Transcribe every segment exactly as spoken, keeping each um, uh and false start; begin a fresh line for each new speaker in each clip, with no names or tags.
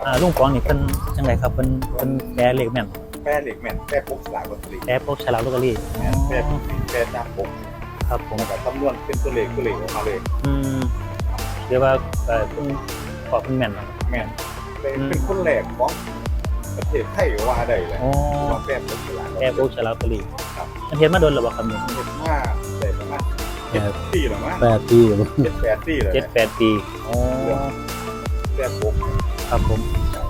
อ่าลุงปองนี่เพิ่นจังไดครับเพิ่นเพิ่นแปลเลขแม่น
แปรเหล็กแม่นแปรปกสลากลอตเตอรี่
แปลพวกฉลากลอตเตอรี่
แม่นแปรแปรตามปก
ครับผม
แล้วก็คำนวณเป็นตัวเลขตัวเลขออกมาเลย
อืมเรียกว่าเอ่อเพิ่นขอเพิ่นแม่นเนาะ
แม่นเป็นคนแรกของประเทศไทยว่าได้เลย
อ๋อ
ว่าแปรปกสลากลอต
แปล
เตอ
พวก
รี่
ฉลากลอตเตอรี่
ครับ
มันเฮ็ดมาโดนแล้วบ่ครับนี่
เฮ็ดมาได้ประมาณเจ็ดปีแล้วมั้ง
แปดปี
เจ็ดแปดปีแล้ว
เจ็ดแปดปีอ๋อ
แปรปก
ครับผม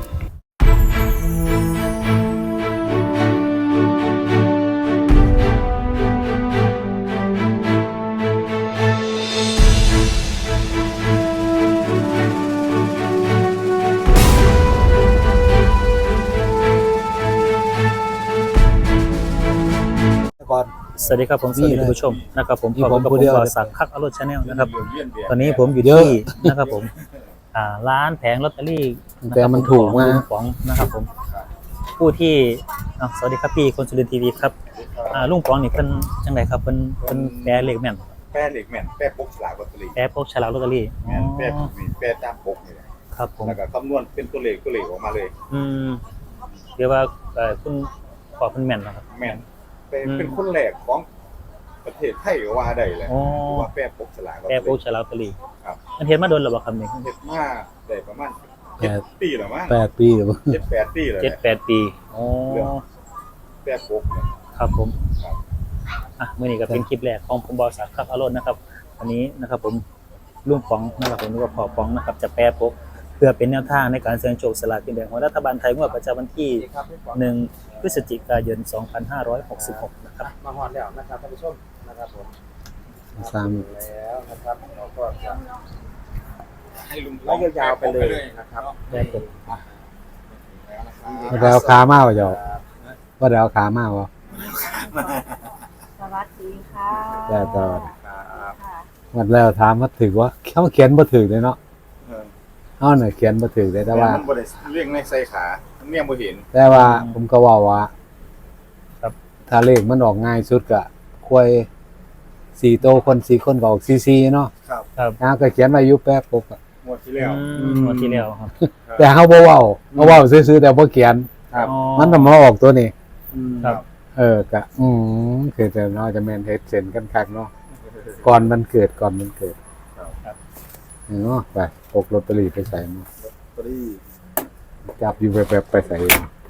ก่อน
สวัสดีครับผมสวัสดีท่านผู้ชมนะครับผม
นี่
ขอบ
ผ
คุ
ม
ณกับ
ผู้
ผม
เดียว
บริษัทคักอโรดชาแนลนะครับ
เยี่ยมเยียน
ตอนนี้ผมอยู่ที่นะครับผมอ่าร้านแผงลอตเตอรี่ะครับ
แต่มันถูกมาก
ลุงป๋องนะครับผมผู้ที่อ่ะสวัสดีครับพี่คนสุรินทร์ทีวีครับอ่าลุงป๋องนี่เพิ่นจังไดครับเพิ่นเพิ่นแปลเลขแม่น
แปรเหล็กแม่นแปรปกสลากลอตเตอรี่
แปลพวกฉลากลอตเตอรี่
แม่นแปร
อ๋อ
แปรตามปกนี่แหละ
ครับผม
แล้วก็คำนวณเป็นตัวเลขตัวเลขออกมาเลย
อืมเรียกว่าเอ่อคุณขอเพิ่นแม่นเนาะครับ
แม่นเป็น
อืม
เป็นคนแรกของประเทศไทยว่าได้เลย
อ๋อ
ว่าแปรปกสลากลอต
แปล
เตอ
พวก
รี่
ฉลากลอตเตอรี่
ครับ
มันเฮ็ดมาโดนแล้วบ่ครับนี่
เฮ็ดมาได้ประมาณเจ็ดปีแล้วมั้ง
แปดปี
เจ็ดแปดปีแล้ว
เจ็ดแปดปีอ๋อ
แปรปกเนี่ย
ครับผม
ครับ
อ่ะมื่อนี้ก็เป็นคลิปแรกของผมบอสักครับอารมณ์นะครับวันนี้นะครับผมลุงป๋องนะครับผมหรือว่าพ่อป๋องนะครับจะแปรปกเพื่อเป็นแนวทางในการเสี่ยงโชคสลากกินแบ่งของรัฐบาลไทยงวดประจำวันที่หนึ่งพฤศจิกายนสองพันห้าร้อยหกสิบหกนะครับ
มาฮอดแล้วนะครับท่านผู้ชมนะครับผม
สาม
แล้วนะครับเราก็จะ
ให้ลุง
ไล่ยาวๆไปเลยนะครับ
แปรปก
ว่าเดเอาขามาว่าจะว่าเดเอาขามาว่า
สวัสดีค่ะ
ได้ตลอด
ครับ
ค่ะ
วันแล้วถามว่าถือว่าเขาเขียนบ่ถือเลยเนาะ
เออ
เขาเนี่ยเขียนบ่ถือเลยแต่ว่า
มันบ่ได้เรียงในใส่ขามันเนี่ยบ่เห็น
แต่ว่าผมก็ว่าว่าถ้าเลขมันออกง่ายสุดก็ควายสี่โตคนสี่คนก็ออกซีซีเนาะ
ครับ
ครับ
นะก็เขียนไว้อยู่แป๊บปุ๊บอะ
งวดที่แล้ว
อืมงวดที่แล้วครับ
แต่เขาบ่เว้าเขาเว้าซื่อๆแต่บ่เขียน
ครับ
อ๋อ
มันต้องมาออกตัวนี้
ครับ
เออก็อืมคือแต่เนาะจะแม่นเฮ็ดเซ็นกันคักเนาะก่อนมันเกิดก่อนมันเกิด
ครับ
เนาะไปพกลอตเตอรี่ไปใส่มา
ตัวนี้
จับอยู่แบบๆไปใส่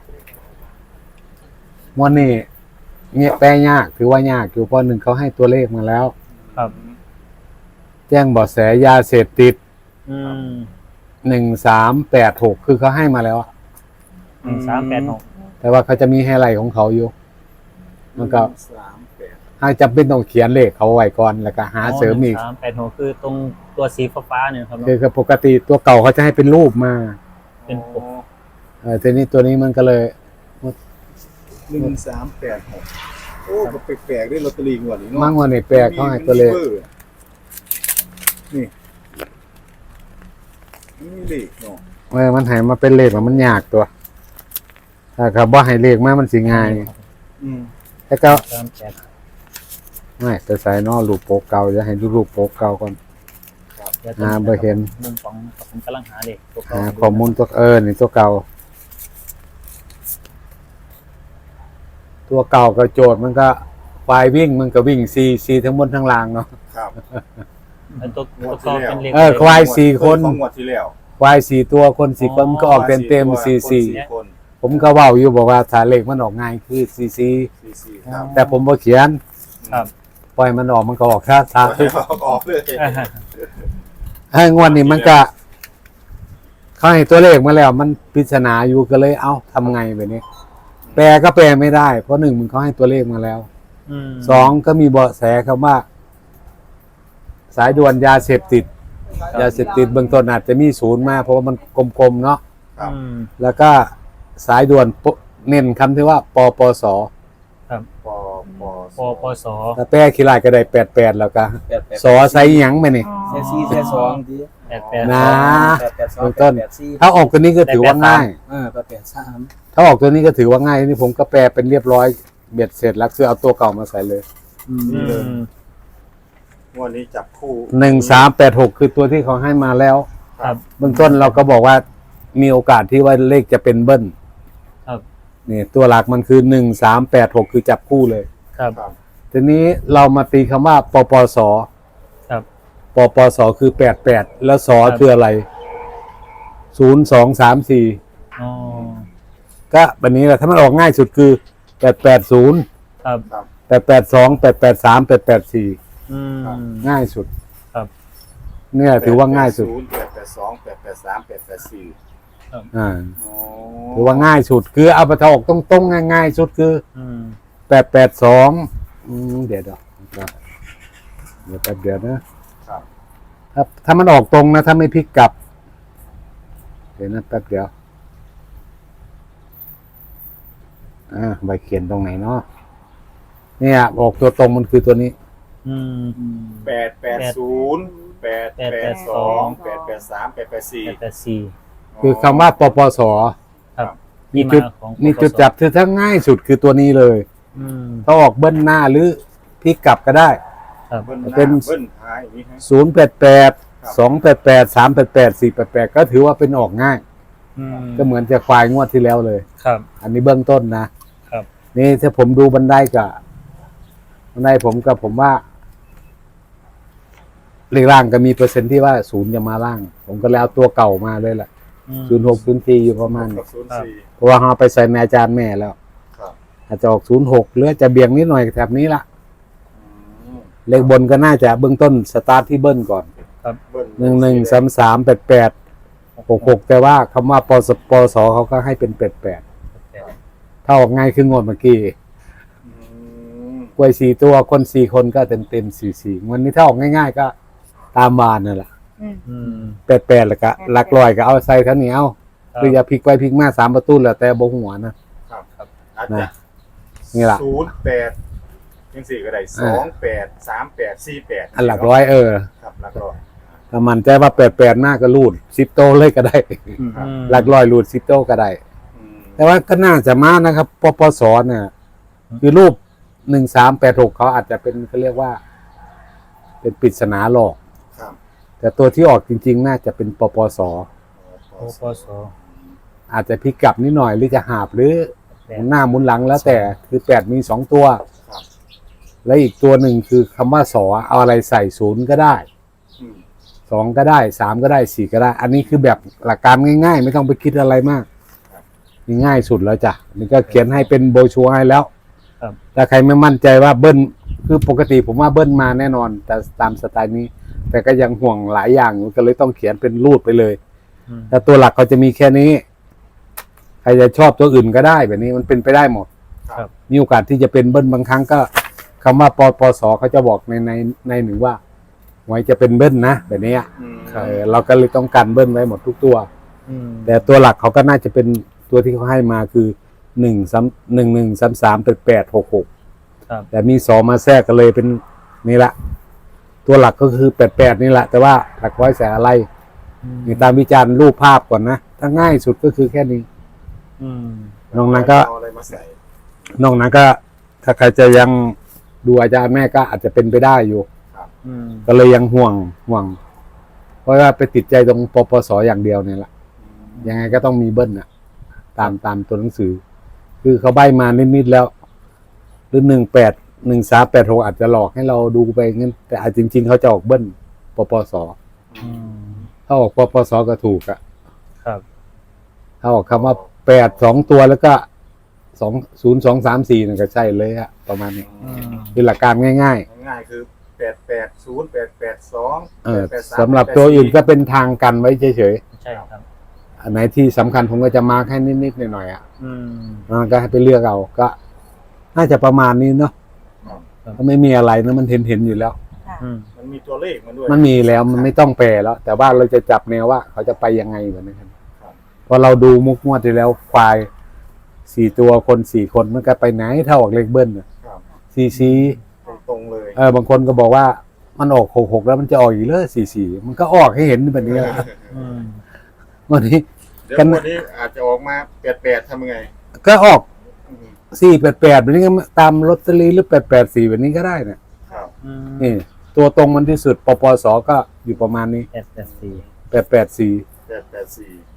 วันนี้เนี่ยแปลยากถือว่ายากอยู่เพราะหนึ่งเขาให้ตัวเลขมาแล้ว
ครับ
แจ้งเบาะแสยาเสพติด
อืม
หนึ่งสามแปดหกคือเขาให้มาแล้วอะ
หนึ่งสามแปดหก
แต่ว่าเขาจะมีไฮไลท์ของเขาอยู่ มันก็
สามแปด
ให้จำเป็นต้องเขียนเลขเขาไว้ก่อนแล้วก็หาเสริมอีก
สามแปดหกคือตรงตัวสีฟ้าๆเนี่ยครับเนอะ
คือปกติตัวเก่าเขาจะให้เป็นรูปมา
เป็นปก
เออทีนี้ตัวนี้มันก็เลย
หนึ่งสามแปดหกโอ้ก็แปลกๆด้วยลอตเตอรี่งวดนี้เนาะ
มั่งวันนี้แปลกเขาให้ตัวเลข
นี่นี่เลขเนาะ
เออมันให้มาเป็นเลขแล้วมันยากตัว ถ้าเขาบ่ให้เลขมามันสิง่าย
อืม
แต่ก็
สามแปด
ไม่ไปใส่นอรูปโป๊กเก่าจะให้ดูรูปโป๊กเก่าก่อน
เดี๋ยว
อ่าบ่เห็น
มุมของผมกำลังหาเด็กตัวเก่
หาข้อมูลตัวเออนี่ตัวเก่า ตัวเก่าก็โจทย์มันก็ควายวิ่งมันก็วิ่งซีซีทั้งบนทั้งล่างเนาะ
ครับ
แล้วตัวตัวเก่าเป็นเล็ก
เออควายสี่คน
ของงวดที่แล้ว
ควายสี่ตัวคนสี่คนมันก็ออกเต็มเต็มซีซี
คน
ผมก็เว้าอยู่บอกว่าถ้าเลขมันออกง่ายคือซีซี
สี่สี่ครับ
แต่ผมบ่เขียน
ครับ
ปล่อยมันออกมันก็ออกท่าทา
ออกเลย
ให้งวดนี้มันก็เขาให้ตัวเลขมาแล้ว มันปริศนาอยู่ก็เลยเอ้าทำไงแบบนี้ แปลก็แปลไม่ได้ เพราะหนึ่งมันเขาให้ตัวเลขมาแล้ว
อืม
สองก็มีเบาะแสคำว่า สายด่วนยาเสพติด ยาเสพติดเบื้องต้นอาจจะมีศูนย์มาเพราะว่ามันกลมๆเนาะ
ครับ
อืม
แล้วก็สายด่วนปเน้นคำที่ว่าปปส
ครับ
ปอปอ
ปปส
ถ้าแปลขี้ลายก็ได้แปดแปดแล้วก็สอใส่หยังไปนี่
เซซี่เซสองดี
แปดแปด
นะ
แปดแปดสอง
เบื้องต้น
แปดสี่
ถ้าออกตัวนี้ก็ถือว่าง่าย
เออแปดแปดสาม
ถ้าออกตัวนี้ก็ถือว่าง่ายนี่ผมก็แปลเป็นเรียบร้อยเบ็ดเสร็จแล้วคือเอาตัวเก่ามาใส่เลย
อืม
งวดนี้จับคู่
หนึ่งสามแปดหกคือตัวที่เขาให้มาแล้ว
ครับ
เบื้องต้นเราก็บอกว่ามีโอกาสที่ว่าเลขจะเป็นเบิ้ล
ครับ
นี่ตัวหลักมันคือหนึ่งสามแปดหกคือจับคู่เลย
ครับ
ครับ
ทีนี้เรามาตีคำว่าปปส
ครับ
ปปสคือแปดแปดแล้วสอ
ครับ
คืออะไรศูนย์สองสามสี่
อ๋อ
ก็แบบนี้แหละถ้ามันออกง่ายสุดคือแปดแปดศูนย์
ครับ
ครับ
แปดแปดสองแปดแปดสามแปดแปดสี่
อืม
ง่ายสุด
ครับ
เนี่ยถือว่าง่ายสุด
แปดแปดสองแปดแปดสามแปดแปดสี่
อ่า
อ๋อ
ถือว่าง่ายสุดคือเอาไปทาออกตรงๆง่ายๆสุดคือ
อืม
แปดแปดสองเดี๋ยวเดี๋ยวเดี๋ยวแป๊บเดียวนะครับ ถ้าถ้ามันออกตรงนะถ้าไม่พลิกกลับ เดี๋ยวนะแป๊บเดียวอ่าใบเขียนตรงไหนเนาะเนี่ยออกตัวตรงมันคือตัวนี้
อืม
แปดแปดศูนย์แปดแปดสองแปดแปดสามแปดแปดสี่
แปดแปดสี่
คือคำว่าปปส
ครับ
มีจุด
ที่าของ
มีจุดจับคือถ้าง่ายสุดคือตัวนี้เลย
อืม
ถ้าออกเบิ้ลหน้าหรือพลิกกลับก็ได้
ครับ
เบิ้ลหน้า
เป็น
เบิ้ลท้ายอย่างนี้ฮะ
ศูนย์แปดแปด
ครับ
สองแปดแปดสามแปดแปดสี่แปดแปดก็ถือว่าเป็นออกง่าย
อืม
ก็เหมือนจะควายงวดที่แล้วเลย
ครับ
อันนี้เบื้องต้นนะครับ นี่ถ้าผมดูบันไดกับบันไดผมกับผมว่าเลขล่างก็มีเปอร์เซ็นต์ที่ว่าศูนย์จะมาล่าง ผมก็แล้วตัวเก่ามาเลยแหละ
อืม
ศูนย์หกศูนย์สี่อยู่ประมาณ
กั
นี้
บศูนย์สี่
เพราะว่าเราไปใส่ในอาจารย์แม่แล้ว
ครับ
อาจจะออกศูนย์หกหรือจะเบี่ยงนิดหน่อยแถบนี้ละ
อืม
เลขบนก็น่าจะเบื้องต้นสตาร์ทที่เบิ้ลก่อน
เบิ้ล
หนึ่งหนึ่งสามสามแปดแปดหกหกแต่ว่าคำว่าปสปสเขาก็ให้เป็นแปดแปดถ้าออกง่ายคืองวดเมื่อกี้
อืม
กล้วยสี่ตัวคนสี่คนก็เต็มเต็มสี่สี่วันนี้ถ้าออกง่ายๆก็ตามบานนั่นแหละ
อืม
อืม
แปดแปดแล้วก็หลักลอยก็เอาใส่เท่านี้เอาหรืออย่าพลิกไปพลิกมาสามประตูแล้วแต่บงหัวนะครับ
ครับอาจ
นะ
จะ
นี่ล่ะ
ศูนย์แปดยังสี่ก็ได้สองแปดสามแปดสี่แปด
อันหลักร้อยเออ
ครับหลักร้อย
ถ้ามันใจว่าแปดแปดหน้าก็รูดสิบโตเลยก็ได้
อืม
หลักร้อยรูดสิบโตก็ได้
อืม
แต่ว่าก็น่าจะมานะครับปปสเนี่ยคือรูปหนึ่งสามแปดหกเขาอาจจะเป็นเขาเรียกว่า เป็นปริศนาหลอก
ครับ
แต่ตัวที่ออกจริง ๆ น่าจะเป็นปปส
โอปส
อาจจะพลิกกลับนิดหน่อยหรือจะหาบหรือ
แป
หมุ
ด
นหน้าหมุนหลังแล้วแต่คือแปดมีสองตัว
ครับ
และอีกตัวหนึ่งคือคำว่าสอเอาอะไรใส่ศูนย์ก็ได้
อืม
สองก็ได้สามก็ได้สี่ก็ได้ อันนี้คือแบบหลักการง่ายๆ ไม่ต้องไปคิดอะไรมากนี่ง่ายสุดแล้วจ้ะนี่ก็เขียนให้เป็นโบรชัวร์ให้แล้ว
ครับ
ถ้าใครไม่มั่นใจว่าเบิ้ลคือปกติผมว่าเบิ้ลมาแน่นอน แต่ตามสไตล์นี้ แต่ก็ยังห่วงหลายอย่างอยู่ก็เลยต้องเขียนเป็นรูดไปเลย
อืม
แต่ตัวหลักเขาจะมีแค่นี้ ใครจะชอบตัวอื่นก็ได้แบบนี้มันเป็นไปได้หมด
ครับ
มีโอกาสที่จะเป็นเบิ้ลบางครั้งก็คำว่าปปสเขาจะบอกในในในหนึ่งว่าไว้จะเป็นเบิ้ลนะแบบนี้อะ
อืม
เออเราก็เลยต้องการเบิ้ลไว้หมดทุกตัว
อืม
แต่ตัวหลักเขาก็น่าจะเป็นตัวที่เขาให้มาคือหนึ่งสามหนึ่งหนึ่งสามสามแปดแปดหกหก
ครับ
แต่มีสองมาแทรกกันเลยเป็นนี่ละตัวหลักก็คือแปดแปดนี่แหละ แต่ว่าหลักร้อยแสนอะไร
อืม
นี่ตามวิจารณ์รูปภาพก่อนนะถ้าง่ายสุดก็คือแค่นี้
อืม
นอกนั้นก็
เอาอะไรมาใส่
นอกนั้นก็ ถ้าใครจะยังดูอาจารย์แม่ก็อาจจะเป็นไปได้อยู่
อืม
ก็เลยยังห่วงห่วง เพราะว่าไปติดใจตรงปปสอย่างเดียวเนี่ยแหละยังไงก็ต้องมีเบิ้ลนะตามตามตัวหนังสือ คือเขาใบมานิดๆแล้ว หรือหนึ่งแปดหนึ่งสามแปดหกอาจจะหลอกให้เราดูไปงั้นแต่อาจจริง ๆ เขาจะออกเบิ้ลปปส
อืม
ถ้าออกปปสก็ถูกอะ
ครับ
ถ้าออกคำว่าแปดสองตัวแล้วก็สองศูนย์สองสามสี่นั่นก็ใช่เลยอะประมาณนี้
อืม
คือหลักการง่าย
ง่ายๆคือแปดแปดศูนย์แปดแปดสอง
ๆเออสำหรับตัวอื่นก็เป็นทางกันไว้เฉย
ใช่ครับ
ๆอันไหนที่สำคัญผมก็จะมาร์คให้นิดๆหน่อยๆอ่ะ
อืม
อ่าก็ให้ไปเลือกเอาก็ น่าจะประมาณนี้เนาะก็ไม่มีอะไรนะมันเห็นเห็นๆอยู่แล้ว
ค่ะ
อืม
มันมีตัวเลขมันด้วย
มันมีแล้วมันไม่ต้องแปลแล้ว แต่ว่าเราจะจับแนวว่าเขาจะไปยังไงแบบนี้ครับ
ครับ
พอเราดูมุกงวดที่แล้วควายสี่ตัวคนสี่คนมันก็ไปไหนเท่าออกเลขเบิ้ลน่ะ
ครับ
สี่สี่
ตรงๆเลย
เออบางคนก็บอกว่ามันออกหกหกแล้วมันจะออกอีกเลยสี่สี่มันก็ออกให้เห็นแบบนี้แหละ
อืม
วันนี้
เดี๋ยว
กัน
วันนี้อาจจะออกมาแปดแปดทำยังไง
ก็ออก
อืม
สี่แปดแปดแบบนี้ก็ตามลอตเตอรี่หรือแปดแปดสี่แบบนี้ก็ได้เนี่ย
ครับ
อืม
นี่ตัวตรงมันที่สุดปปสก็อยู่ประมาณนี้
แปดแปดสี่
แปดแปดสี่
แปดแปดสี่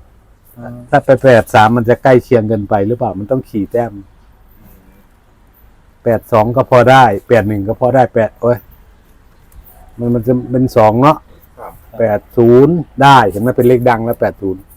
อืม
ถ้าไปแปดสามมันจะใกล้เคียงเกินไปหรือเปล่ามันต้องขี่แต้มแปดสองก็พอได้แปดหนึ่งก็พอได้แปดโอ้ยมันมันจะเป็นสองเนาะ
ครับ
แปดศูนย์ได้เห็นไหมเป็นเลขดังแล้วแปดศูนย์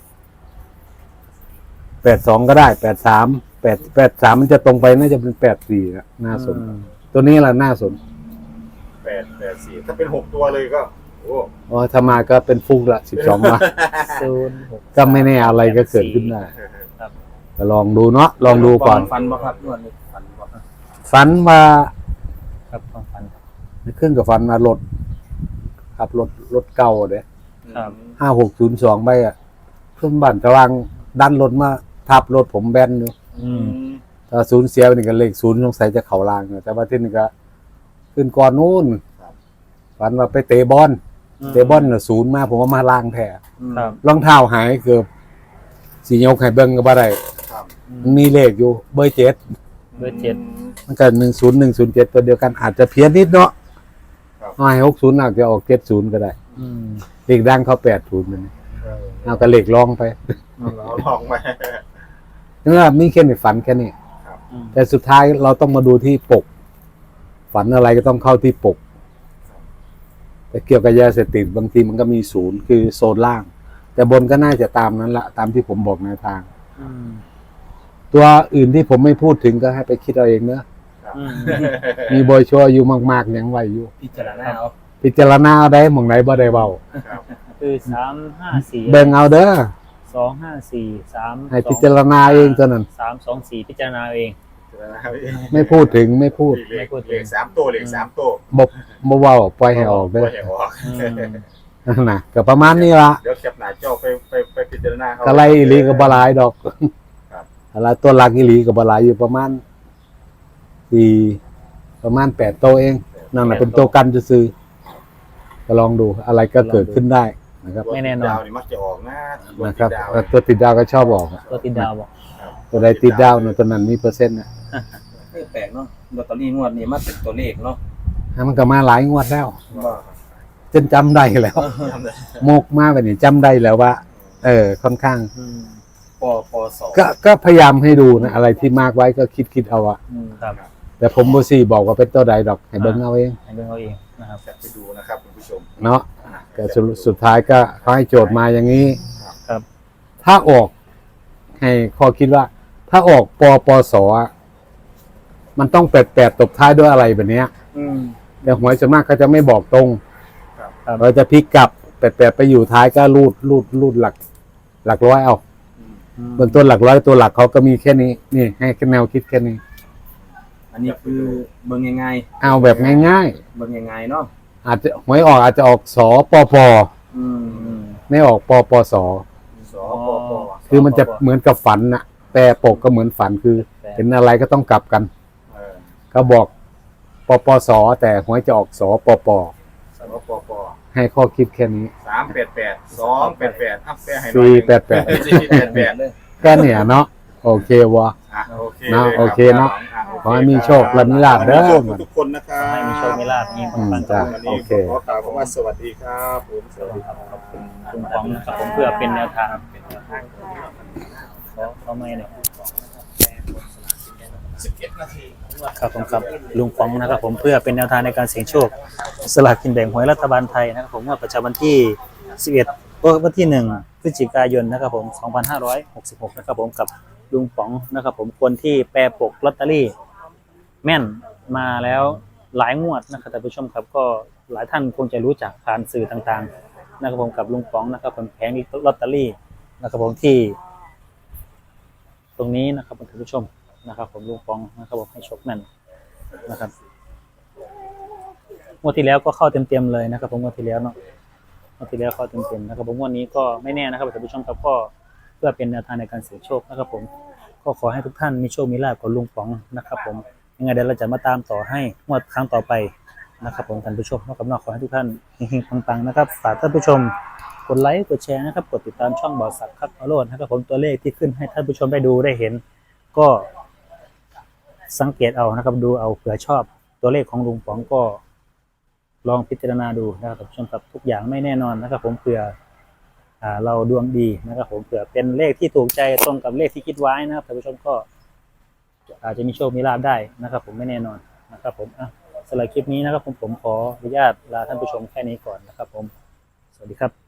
แปดสองก็ได้แปดสามแปดแปดสามมันจะตรงไปน่าจะเป็นแปดสี่นะน่าสน ตัวนี้แหละน่าสน
แปดแปดสี่ถ้าเป็นหกตัวเลยก็โอ้
อ๋อถ้ามาก็เป็นฟุกละสิบสองมา
ศูนย์หก
ก็ไม่แน่อะไรก็เกิดขึ้นได้
ครับ
ก็ลองดูเนาะลองดูก่อน
ฟันบ่ครับนวดนี่ฟันบ่ครับ
ฝันว่า
ครับความฝัน
เครื่องกับฝันมารถขับรถรถเก่าเด้
ครับ
ห้าหกศูนย์สองไปอ่ะเพื่อนบ้านกำลังดันรถมาทับรถผมแบนอยู่
อืม
ถ้าศูนย์เสียไปนี่ก็เลขศูนย์สงสัยจะเข่าลางอยู่แต่ว่าที่นี่ก็ขึ้นก่อนนู้นฝันว่าไปเตะบอลเตะบอลน่ะศูนย์มาผมว่ามาล่างแท้
ครับ
รองเท้าหายเกือบสียกให้เบิ่งก็บ่ได้
ครับ
มันมีเลขอยู่เบอร์เจ็ด
เบอร์เจ็ด
มันก็หนึ่งศูนย์หนึ่งศูนย์เจ็ดตัวเดียวกันอาจจะเพี้ยนนิดเนาะ
ครับ
เอาให้หกศูนย์อาจจะออกเจ็ดศูนย์ก็ได้
อืม
เลขดังเขาแปดศูนย์มัน
เออ
เอาก็เลขรองไป
เราลองไป
นั่นแหละมีแค่ในฝันแค่นี้
อืม
แต่สุดท้ายเราต้องมาดูที่ปก ฝันอะไรก็ต้องเข้าที่ปก แต่เกี่ยวกับยาเสพติดบางทีมันก็มีศูนย์คือโซนล่าง แต่บนก็น่าจะตามนั้นละตามที่ผมบอกในทาง
อืม
ตัวอื่นที่ผมไม่พูดถึงก็ให้ไปคิดเอาเองเนอะ
อืม
มีบอยชัวร์อยู่มากๆยังไหวอยู่
พิจารณาเอา
พิจารณาเอาได้หมองไหนบ่ได้เบา
ครับ
คือสามห้าสี่
เบิ่งเอาเด้อ
สองห้าสี่สาม
ให้พิจารณาเองเท่านั้น
สามสองสี่พิจารณาเอง
ไม่พูดถึงไม่พูด
เหล็กเหล็กสามตัวเหล็กสามตัว
บบบ่เว้าปล่อยให้ออกเด้อ
ปล่ยให้ออก
อืม
นั่นน่ะก็ประมาณนี้ละ
เดี๋ยวแคปหน้าจอไปไปไปพิจารณาเขา
กะไรอีหลีก็บ่หลายดอก
ครับ
อะไรตัวหลักอีหลีก็บ่หลายอยู่ประมาณสี่ประมาณแปดโตวเองนั่นน่ะเป็นตัวกันซื่อๆก็ลองดูอะไรก็เกิดขึ้นได้นะครับ
ไม่แน่นอน
ดาวนี่มักจะออกนะตัว
นะครับ
ติดดาว
เออตัวติดดาวก็ชอบออกอะ
ตัวติดดาวบอก
ตัวใดติดดาวเนี่ยตัวนั้นมีเปอร์เซ็นต์นะ
ไม่แปลกเนาะลอตเตอรี่งวดนี้มาเป็นตัวเลขเนาะ
อ่ะมันก็มาหลายงวดแล้ว
ว่า
จนจำได้แล้ว
จำได้
โมกมาแบบนี้จำได้แล้วว่า เออค่อนข้าง
อืม
ปปส
ก็ก็พยายามให้ดูนะอะไรที่มากไว้ก็คิดคิดเอาอะ
อืมครับ
แต่ผมบ่ซี่บอกว่าเป็นตัวใดดอกให้เบิ่งเอาเอง
ให้เบิ่งเอาเองนะครับ
แคปไปดูนะครับคุณผู้ชม
เนาะก็สรุปสุดท้ายก็เขาให้โจทย์มาอย่างนี้
ครับ
ถ้าออกให้ข้อคิดว่า ถ้าออกปปสอะมันต้องแปดแปดตบท้ายด้วยอะไรแบบเนี้ย
อืม
แต่หวยส่วนมากเขาจะไม่บอกตรง
ครับ
เราจะพลิกกลับแปดแปดไปอยู่ท้ายก็รูดรูดรูดหลัก หลักร้อยเอา
อืม
เบื้องต้นหลักร้อยตัวหลักเขาก็มีแค่นี้ นี่ให้แค่แนวคิดแค่นี้
อันนี้คือเบิ่งง่าย
เอาแบบง่าย
ๆเบิ่งง่ายๆเนาะ
ๆ อาจจะหวยออกอาจจะออกสปป
อืม
อืม
ไม่ออกปปส
สปป
คือมันจะเหมือนกับฝันนะแต่ปกก็เหมือนฝันคือเห็นอะไรก็ต้องกลับกัน
เออ
ก็บอกปปสแต่หวยจะออกสปป
สปป
ให้ข้อคิดแค่นี้
สามแปดแปดสองแปดแปดอัพแปให้หน่อย
สี่แปดแปด
สี่แปดแปด
เลย
แค่เนี้ยเนาะโอเควะ
อ่ะโอเค
เนาะ
ลยรับ
โอเคเนาะ
อ่โเ
ขอให้มีโชคและมีลาภเด้อ
ขให้มีโชคทุกคนนะครับ
ให้มีโชคมีลาภมี
อืม
ปังๆ
จ้ะ
กับ
วันนี้
โอเค
ขอกล่าวคำว่าสวัสดีครับผมสวัสดีครับ
ขอบคุณคุณฟองนะครับผมเพื่อเป็นแนวทางเป็นแนวทางเขาเขาไม่เนี่ย
สิบเอ็ดนาที
ครับผมครับลุงฟองนะครับผมเพื่อเป็นแนวทางในการเสี่ยงโชคสลากกินแบ่งหวยรัฐบาลไทยนะครับผมงวดประจำวันที่สิบเอ็ดเออวันที่หนึ่งพฤศจิกายนนะครับผมสองพันห้าร้อยหกสิบหกนะครับผมกับลุงฟองนะครับผมคนที่แปรปกลอตเตอรี่แม่นมาแล้วหลายงวดนะครับท่านผู้ชมครับก็หลายท่านคงจะรู้จักผ่านสื่อต่างๆนะครับผมกับลุงฟองนะครับผมแผงลอตเตอรี่นะครับผมที่ ตรงนี้นะครับท่านผู้ชมนะครับผมลุงฟองนะครับผมให้โชคแม่นนะครับงวดที่แล้วก็เข้าเต็มๆเลยนะครับผมงวดที่แล้วเนาะงวดที่แล้วเข้าเต็มๆนะครับผมงวดนี้ก็ไม่แน่นะครับท่านผู้ชมครับก็เพื่อเป็นแนวทางในการเสี่ยงโชคนะครับผมก็ขอให้ทุกท่านมีโชคมีลาภกับลุงฟองนะครับผมยังไงเดี๋ยวเราจะมาตามต่อให้งวดครั้งต่อไปนะครับผมท่านผู้ชมนอกกับนอกขอให้ทุกท่านเฮงๆปังๆนะครับฝากท่านผู้ชมกดไลค์กดแชร์นะครับกดติดตามช่องบ่าวสักครับอโรดนะครับผมตัวเลขที่ขึ้นให้ท่านผู้ชมได้ดูได้เห็น ก็สังเกตเอานะครับดูเอาเผื่อชอบตัวเลขของลุงป๋องก็ลองพิจารณาดูนะครับท่านผู้ชมครับทุกอย่างไม่แน่นอนนะครับผมเผื่ออ่าเราดวงดีนะครับผมเผื่อเป็นเลขที่ถูกใจตรงกับเลขที่คิดไว้นะครับท่านผู้ชมก็อาจจะมีโชคมีลาภได้นะครับผมไม่แน่นอนนะครับผมอ่ะสำหรับคลิปนี้นะครับผมผมขออนุญาตลาท่านผู้ชมแค่นี้ก่อนนะครับผมสวัสดีครับ